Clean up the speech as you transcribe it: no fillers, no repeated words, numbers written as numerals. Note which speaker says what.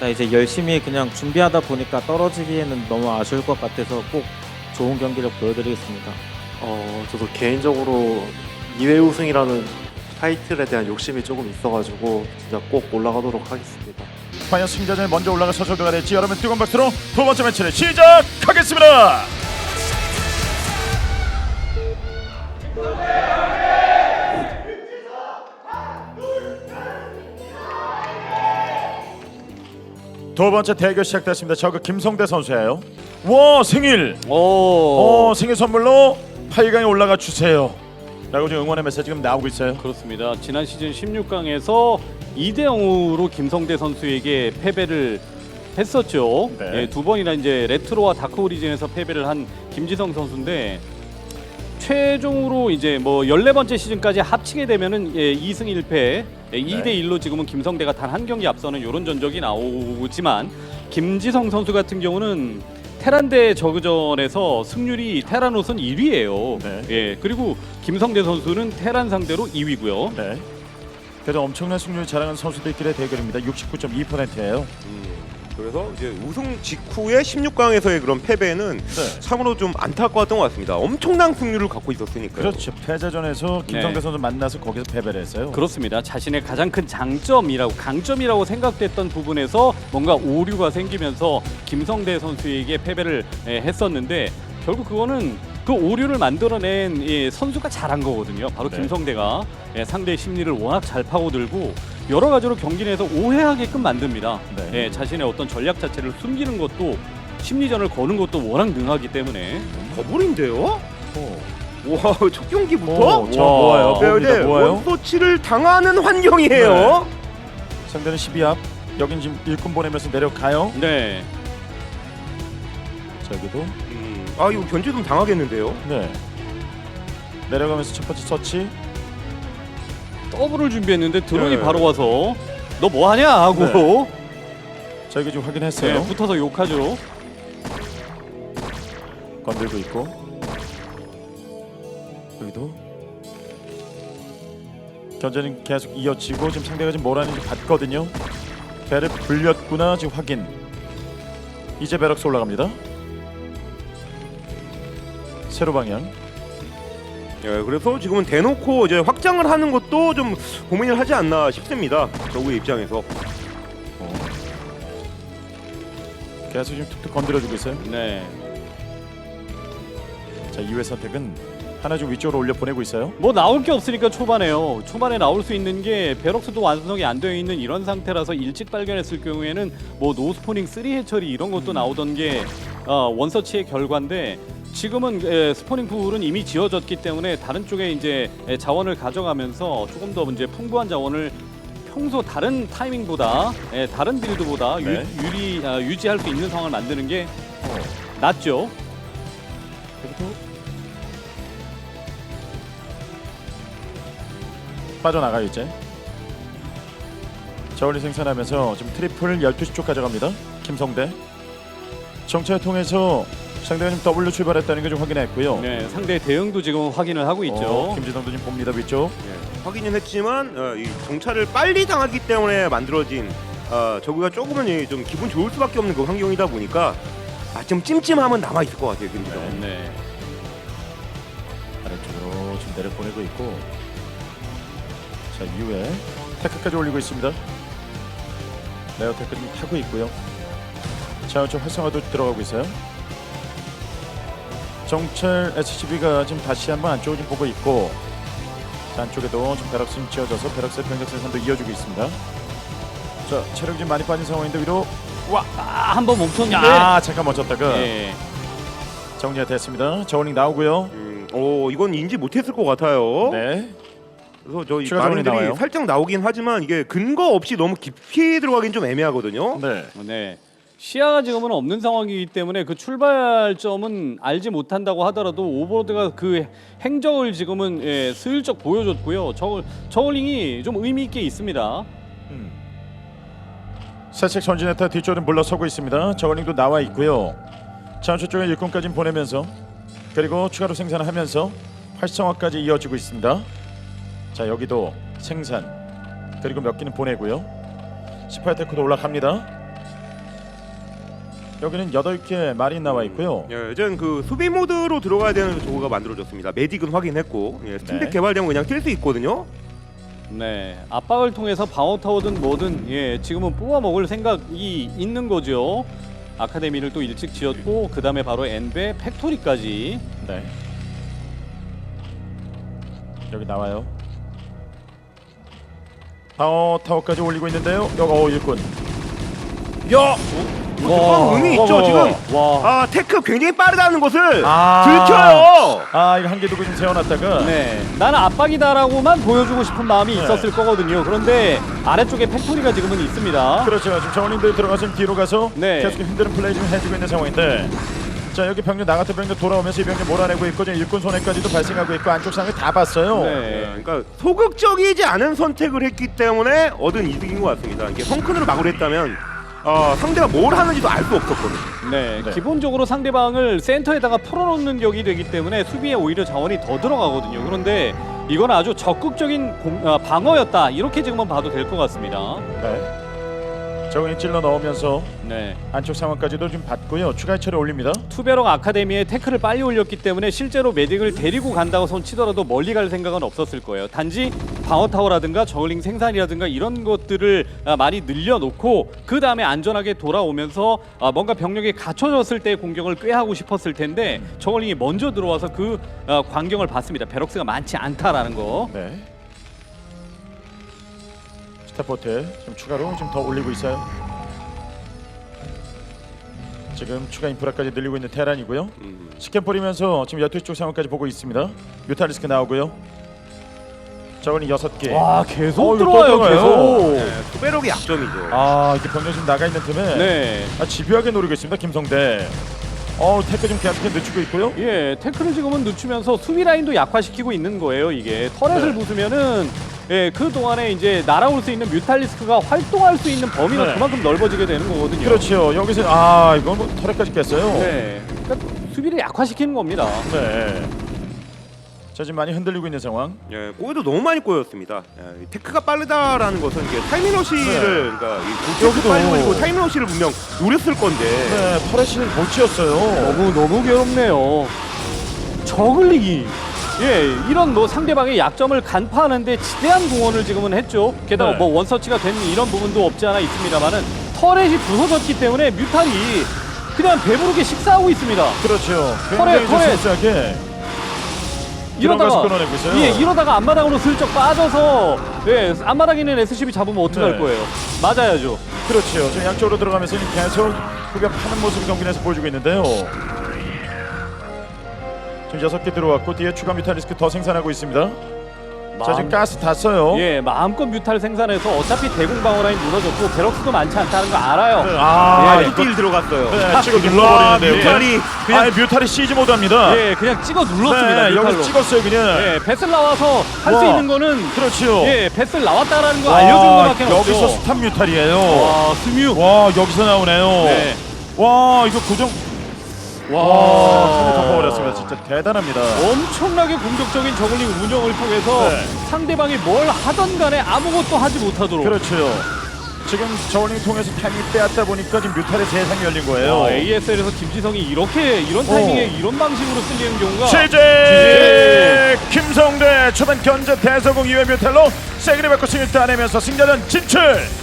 Speaker 1: 자, 이제 열심히 그냥 준비하다 보니까 떨어지기에는 너무 아쉬울 것 같아서 꼭 좋은 경기를 보여드리겠습니다.
Speaker 2: 저도 개인적으로 2회 우승이라는 타이틀에 대한 욕심이 조금 있어가지고 진짜 꼭 올라가도록 하겠습니다.
Speaker 3: 과연 승자전에 먼저 올라가 서서도가 될지 여러분 뜨거운 박수로 두 번째 매치를 시작하겠습니다. 두 번째 대결 시작됐습니다. 저그 김성대 선수예요. 와 생일. 생일 선물로 8강에 올라가 주세요. 라고 지금 응원의 메시지 지금 나오고 있어요.
Speaker 4: 그렇습니다. 지난 시즌 16강에서 2대 0으로 김성대 선수에게 패배를 했었죠.
Speaker 3: 네.
Speaker 4: 예, 두 번이나 이제 레트로와 다크 오리진에서 패배를 한 김지성 선수인데 최종으로 이제 뭐 14번째 시즌까지 합치게 되면은 2승 1패 2대 1로 지금은 김성대가 단 한 경기 앞서는 이런 전적이 나오지만 김지성 선수 같은 경우는 테란대 저그전에서 승률이 테란옷은 1위예요.
Speaker 3: 네.
Speaker 4: 예, 그리고 김성대 선수는 테란 상대로 2위고요.
Speaker 3: 네. 그래도 엄청난 승률을 자랑한 선수들끼리의 대결입니다. 69.2%예요.
Speaker 5: 그래서 이제 우승 직후에 16강에서의 그런 패배는
Speaker 3: 네.
Speaker 5: 참으로 좀 안타까웠던 것 같습니다. 엄청난 승률을 갖고 있었으니까요.
Speaker 3: 그렇죠. 패자전에서 김성대
Speaker 4: 네.
Speaker 3: 선수 만나서 거기서 패배를 했어요.
Speaker 4: 그렇습니다. 자신의 가장 큰 강점이라고 생각됐던 부분에서 뭔가 오류가 생기면서 김성대 선수에게 패배를 했었는데 결국 그거는 그 오류를 만들어낸 선수가 잘한 거거든요. 바로
Speaker 3: 네.
Speaker 4: 김성대가 상대의 심리를 워낙 잘 파고들고 여러 가지로 경기 내에서 오해하게끔 만듭니다.
Speaker 3: 네.
Speaker 4: 자신의 어떤 전략 자체를 숨기는 것도 심리전을 거는 것도 워낙 능하기 때문에
Speaker 5: 더블인데요? 와, 첫 경기부터?
Speaker 3: 자, 모아요.
Speaker 5: 네,
Speaker 3: 봅니다.
Speaker 5: 네,
Speaker 3: 모아요.
Speaker 5: 원서치를 당하는 환경이에요.
Speaker 3: 상대는 12압. 여긴 지금 일꾼 보내면서 내려가요.
Speaker 4: 네.
Speaker 3: 자, 여기도
Speaker 5: 이거 견제 좀 당하겠는데요?
Speaker 3: 네. 내려가면서 첫 번째 서치.
Speaker 4: 더블을 준비했는데 드론이
Speaker 3: 네.
Speaker 4: 바로 와서 너 뭐하냐 하고
Speaker 3: 자, 여기 지금 확인했어요.
Speaker 4: 네, 붙어서 욕하죠.
Speaker 3: 건들고 있고. 여기도 견제는 계속 이어지고 지금 상대가 지금 뭘 하는지 봤거든요. 배를 불렸구나 지금 확인. 이제 베럭스 올라갑니다. 세로 방향.
Speaker 5: 예, 그래서 지금은 대놓고 이제 확장을 하는 것도 좀 고민을 하지 않나 싶습니다. 저우의 입장에서.
Speaker 3: 계속 지금 툭툭 건드려주고 있어요.
Speaker 4: 네.
Speaker 3: 자, 2회 선택은 하나 좀 위쪽으로 올려 보내고 있어요.
Speaker 4: 뭐 나올 게 없으니까 초반에요. 초반에 나올 수 있는 게 베럭스도 완성이 안 되어 있는 이런 상태라서 일찍 발견했을 경우에는 뭐 노스포닝 3 해처리 이런 것도 나오던 게 원서치의 결과인데 지금은 스포닝 풀은 이미 지어졌기 때문에 다른 쪽에 이제 자원을 가져가면서 조금 더 이제 풍부한 자원을 평소 다른 타이밍보다 다른 빌드보다
Speaker 3: 네.
Speaker 4: 유지할 수 있는 상황을 만드는 게 낫죠.
Speaker 3: 여기도 빠져나가요 이제. 저울리 생산하면서 지금 트리플 12시 쪽 가져갑니다. 김성대. 정찰을 통해서 상대가 지금 W 출발했다는 걸 좀 확인했고요.
Speaker 4: 네, 상대의 대응도 지금 확인을 하고 있죠.
Speaker 3: 김지성도 지금 봅니다 위쪽.
Speaker 5: 확인은 했지만 이 정찰을 빨리 당하기 때문에 만들어진 저구가 조금은 좀 기분 좋을 수밖에 없는 그 환경이다 보니까 좀 찜찜함은 남아 있을 것 같아요, 김지성.
Speaker 4: 네.
Speaker 3: 아래쪽으로 지금 내려 보내고 있고. 자, 이후에 테크까지 올리고 있습니다. 레어 테크 좀 타고 있고요. 자, 저 활성화도 들어가고 있어요. 정찰 SCB가 지금 다시 한번 안쪽을 좀 보고 있고, 자, 안쪽에도 지금 베럭스 좀 지어져서 베럭스의 병력 생산도 이어주고 있습니다. 자, 체력이 좀 많이 빠진 상황인데 위로
Speaker 4: 한번 멈췄는데.
Speaker 3: 잠깐 멈췄다가
Speaker 4: 네.
Speaker 3: 정리가 됐습니다. 저울링 나오고요.
Speaker 5: 이건 인지 못했을 것 같아요.
Speaker 3: 네.
Speaker 5: 그래서 저희
Speaker 3: 추가 자원이
Speaker 5: 많은
Speaker 3: 나와요.
Speaker 5: 들이 살짝 나오긴 하지만 이게 근거 없이 너무 깊이 들어가긴 좀 애매하거든요.
Speaker 3: 네.
Speaker 4: 네. 시야가 지금은 없는 상황이기 때문에 그 출발점은 알지 못한다고 하더라도 오버로드가 그 행적을 지금은 슬쩍 보여줬고요. 저글링이 좀 의미 있게 있습니다.
Speaker 3: 살짝 전진했다 뒤쪽은 물러서고 있습니다. 저글링도 나와 있고요. 자원초 쪽에 일꾼까지 보내면서 그리고 추가로 생산을 하면서 활성화까지 이어지고 있습니다. 자, 여기도 생산 그리고 몇 기는 보내고요. 18테크도 올라갑니다. 여기는 8개 마린 나와 있고요.
Speaker 5: 예, 이젠 그 수비 모드로 들어가야 되는 저거가 만들어졌습니다. 메딕은 확인했고 스팀덱
Speaker 3: 네.
Speaker 5: 개발되면 그냥 뛸 수 있거든요.
Speaker 4: 네, 압박을 통해서 방어 타워든 뭐든 지금은 뽑아 먹을 생각이 있는 거죠. 아카데미를 또 일찍 지었고 그 다음에 바로 엔베 팩토리까지.
Speaker 3: 네. 여기 나와요. 방어 타워까지 올리고 있는데요. 여기 일꾼.
Speaker 5: 야, 그건 의미 있죠 지금.
Speaker 4: 와.
Speaker 5: 아 테크 굉장히 빠르다는 것을
Speaker 3: 아.
Speaker 5: 들켜요.
Speaker 3: 아 이거 한 개 두고 좀 세워놨다가.
Speaker 4: 네, 나는 압박이다라고만 보여주고 싶은 마음이
Speaker 3: 네.
Speaker 4: 있었을 거거든요. 그런데 아래쪽에 팩토리가 지금은 있습니다.
Speaker 3: 그렇죠. 지금 저울링들이 들어가서 뒤로 가서
Speaker 4: 네.
Speaker 3: 계속 힘든 플레이 좀 해주고 있는 상황인데. 자 여기 병력 나갔던 병력 돌아오면서 이 병력 몰아내고 있고 지금 일꾼 손해까지도 발생하고 있고 안쪽 상을 다 봤어요.
Speaker 4: 네.
Speaker 5: 그러니까 소극적이지 않은 선택을 했기 때문에 얻은 이득인 것 같습니다. 이게 성큰으로 막으려 했다면 상대가 뭘 하는지도 알 수 없었거든요.
Speaker 4: 네,
Speaker 3: 네.
Speaker 4: 기본적으로 상대방을 센터에다가 풀어놓는 격이 되기 때문에 수비에 오히려 자원이 더 들어가거든요. 그런데 이건 아주 적극적인 방어였다. 이렇게 지금은 봐도 될 것 같습니다.
Speaker 3: 네. 저울링 찔러 넣으면서
Speaker 4: 네,
Speaker 3: 안쪽 상황까지도 좀 봤고요. 추가 해처리 올립니다.
Speaker 4: 투베럭 아카데미에 태클을 빨리 올렸기 때문에 실제로 메딕을 데리고 간다고 손 치더라도 멀리 갈 생각은 없었을 거예요. 단지 방어 타워라든가 저글링 생산이라든가 이런 것들을 많이 늘려놓고 그 다음에 안전하게 돌아오면서 뭔가 병력이 갖춰졌을 때 공격을 꾀하고 싶었을 텐데 저글링이 먼저 들어와서 그 광경을 봤습니다. 베럭스가 많지 않다라는 거.
Speaker 3: 네. 스타포트 지금 추가로 좀 더 올리고 있어요. 지금 추가 인프라까지 늘리고 있는 테란이고요. 스캔 뿌리면서 지금 12시 쪽 상황까지 보고 있습니다. 뮤탈리스크 나오고요. 저거는 6개.
Speaker 4: 와, 계속
Speaker 3: 이거 또
Speaker 4: 들어와요.
Speaker 3: 들어가요.
Speaker 4: 계속.
Speaker 5: 투베럭이 약점이죠.
Speaker 3: 아 이게 병력 지금 나가 있는 틈에
Speaker 4: 네.
Speaker 3: 집요하게 노리고 있습니다. 김성대. 태클 좀 계속해 늦추고 있고요.
Speaker 4: 예, 태클을 지금은 늦추면서 수비 라인도 약화시키고 있는 거예요. 이게 터렛을
Speaker 3: 네.
Speaker 4: 부수면은 그 동안에 이제 날아올 수 있는 뮤탈리스크가 활동할 수 있는 범위가
Speaker 3: 네.
Speaker 4: 그만큼 넓어지게 되는 거거든요.
Speaker 3: 그렇죠. 여기서 이건 뭐 터렛까지 깼어요.
Speaker 4: 네, 그러니까 수비를 약화시키는 겁니다.
Speaker 3: 네. 자 지금 많이 흔들리고 있는 상황.
Speaker 5: 예, 꼬여도 너무 많이 꼬였습니다. 이 테크가 빠르다라는 것은 이게 타이밍러시를 그러니까 이
Speaker 3: 여기도.
Speaker 5: 빨리 올리고 타이밍러시를 분명 노렸을 건데.
Speaker 3: 네, 터렛을 못 지었어요.
Speaker 4: 너무 괴롭네요. 저글링이 이런 뭐 상대방의 약점을 간파하는데 지대한 공헌을 지금은 했죠. 게다가
Speaker 3: 네.
Speaker 4: 뭐 원서치가 된 이런 부분도 없지 않아 있습니다만은 터렛이 부서졌기 때문에 뮤탈이 그냥 배부르게 식사하고 있습니다.
Speaker 3: 그렇죠.
Speaker 4: 터렛.
Speaker 3: 굉장히 조심스럽게 들어가서 끊어내고 있어요.
Speaker 4: 이러다가 앞마당으로 슬쩍 빠져서 앞마당에 있는 SCB 잡으면 어떡할
Speaker 3: 네.
Speaker 4: 거예요? 맞아야죠.
Speaker 3: 그렇죠. 지금 양쪽으로 들어가면서 계속 후벼파는 모습을 경기에서 보여주고 있는데요. 지금 6개 들어왔고 뒤에 추가 뮤탈리스크 더 생산하고 있습니다. 자 지금 가스 다 써요.
Speaker 4: 마음껏 뮤탈 생산해서 어차피 대공 방어 라인 무너졌고 베럭스도 많지 않다는 거 알아요.
Speaker 3: 네,
Speaker 5: 이거 딜 들어갔어요.
Speaker 3: 네, 찍어 눌러버리는데요.
Speaker 5: 뮤탈이
Speaker 3: 뮤탈이 시즈 모드합니다.
Speaker 4: 그냥 찍어 눌렀습니다.
Speaker 3: 네,
Speaker 4: 뮤탈로.
Speaker 3: 여기서 찍었어요 그냥.
Speaker 4: 배슬 나와서 할 수
Speaker 3: 와.
Speaker 4: 있는 거는
Speaker 3: 그렇죠.
Speaker 4: 배슬 나왔다라는 거 알려준 거밖에 없죠.
Speaker 3: 여기서 스탑 뮤탈이에요.
Speaker 4: 와, 스뮤.
Speaker 3: 와 여기서 나오네요.
Speaker 4: 네.
Speaker 3: 와 이거 고정. 와 손에 덮어버렸습니다. 진짜 대단합니다.
Speaker 4: 엄청나게 공격적인 저글링 운영을 통해서
Speaker 3: 네.
Speaker 4: 상대방이 뭘 하던 간에 아무것도 하지 못하도록.
Speaker 3: 그렇죠. 지금 저울링 통해서 타이밍 빼앗다 보니까 지금 뮤탈의 세상이 열린 거예요.
Speaker 4: ASL에서 김지성이 이런 타이밍에 이런 방식으로 쓸리는 경우가
Speaker 3: 최재 김성대 초반 견제 대서공 이외 뮤탈로 세그리 받고 승리 따내면서 승자전 진출.